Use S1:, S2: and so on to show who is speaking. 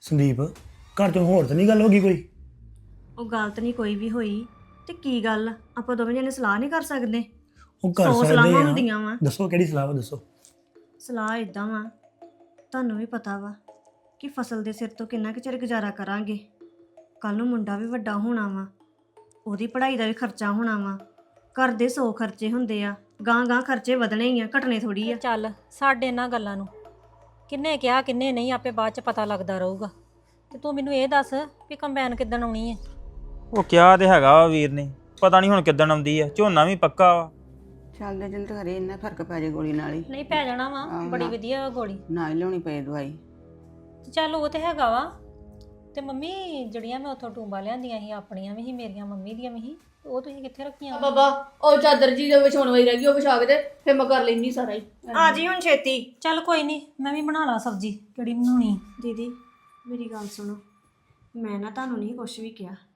S1: ਸੰਦੀਪ ਘਰ ਚੋਂ ਹੋਰ ਤਾਂ ਨਹੀਂ ਗੱਲ ਹੋ ਗਈ ਕੋਈ?
S2: ਉਹ ਗਲਤ ਨਹੀਂ ਕੋਈ ਵੀ ਹੋਈ ਤੇ ਕੀ ਗੱਲ ਆਪਾਂ ਦੋਵੇਂ ਜਣੇ ਸਲਾਹ ਨਹੀਂ ਕਰ ਸਕਦੇ?
S1: ਉਹ ਕਰ
S2: 100
S1: ਸਕਦੇ
S2: ਸਲਾਹਾਂ
S1: ਆ।
S2: ਹੁੰਦੀਆਂ ਵਾ।
S1: ਦੱਸੋ ਕਿਹੜੀ ਸਲਾਹ ਵਾ ਦੱਸੋ।
S2: ਸਲਾਹ ਇਦਾਂ ਵਾ, ਤੁਹਾਨੂੰ ਵੀ ਪਤਾ ਵਾ ਕਿ ਫਸਲ ਦੇ ਸਿਰ ਤੋਂ ਕਿੰਨਾ ਕੁ ਚਿਰ ਗੁਜ਼ਾਰਾ ਕਰਾਂਗੇ। ਕੱਲ ਨੂੰ ਮੁੰਡਾ ਵੀ ਵੱਡਾ ਹੋਣਾ ਵਾ, ਉਹਦੀ ਪੜ੍ਹਾਈ ਦਾ ਵੀ ਖਰਚਾ ਹੋਣਾ ਵਾ। ਘਰ ਦੇ 100 ਖਰਚੇ ਹੁੰਦੇ ਆ, ਗਾਂ ਖਰਚੇ ਵਧਣੇ ਹੀ ਆ, ਘਟਣੇ ਥੋੜੀ ਆ।
S3: ਚੱਲ ਸਾਡੇ ਇਹਨਾਂ ਗੱਲਾਂ ਨੂੰ ਕਿੰਨੇ ਕਿਹਾ ਕਿੰਨੇ ਨਹੀਂ ਆਪੇ ਬਾਅਦ ਚ ਪਤਾ ਲੱਗਦਾ ਰਹੂਗਾ। ਤੇ ਤੂੰ ਮੈਨੂੰ ਇਹ ਦੱਸ ਵੀ ਕੰਬਾਈਨ ਕਿੱਦਣ ਆਉਣੀ ਹੈ?
S4: ਉਹ ਕਿਹਾ ਤੇ ਹੈਗਾ ਵਾ ਵੀਰ ਨੇ, ਪਤਾ ਨਹੀਂ ਹੁਣ ਕਿੱਦਣ ਆਉਂਦੀ ਆ। ਝੋਨਾ ਵੀ ਪੱਕਾ ਵਾ।
S5: ਚੱਲਦੇ ਜਿੰਦ ਘਰੇ ਇੰਨਾ ਫਰਕ ਪੈ ਜੇ ਗੋਲੀ ਨਾਲ ਹੀ।
S3: ਨਹੀਂ ਪੈ ਜਾਣਾ ਵਾ, ਬੜੀ ਵਧੀਆ ਵਾ ਗੋਲੀ।
S5: ਨਾ ਹੀ ਲਿਆਉਣੀ ਪਏ ਦਵਾਈ।
S3: ਤੇ ਚੱਲ ਉਹ ਤੇ ਹੈਗਾ ਵਾ। ਤੇ ਮੰਮੀ ਜਿਹੜੀਆਂ ਮੈਂ ਉੱਥੋਂ ਟੂੰਬਾਂ ਲਿਆਂਦੀਆਂ ਸੀ, ਆਪਣੀਆਂ ਵੀ ਸੀ, ਮੇਰੀਆਂ ਮੰਮੀ ਦੀਆਂ ਵੀ ਸੀ, ਉਹ ਤੁਸੀਂ ਕਿੱਥੇ ਰੱਖੀਆਂ?
S6: ਬਾਬਾ ਉਹ ਚਾਦਰ ਜੀ ਦੇ ਵਿਛਾਉਣ ਵਾਲੀ ਰਹਿ ਗਈ, ਉਹ ਵਿਛਾ ਕੇ ਤੇ ਫਿਰ ਮੈਂ ਕਰ ਲੈਣੀ ਸਾਰਾ ਹੀ।
S2: ਆ ਜੀ ਹੁਣ ਛੇਤੀ।
S3: ਚੱਲ ਕੋਈ ਨਹੀਂ, ਮੈਂ ਵੀ ਬਣਾ ਲਾ ਸਬਜ਼ੀ। ਕਿਹੜੀ ਬਣਾਉਣੀ?
S2: ਦੀਦੀ ਮੇਰੀ ਗੱਲ ਸੁਣੋ, ਮੈਂ ਨਾ ਤੁਹਾਨੂੰ ਨਹੀਂ ਕੁਝ ਵੀ ਕਿਹਾ,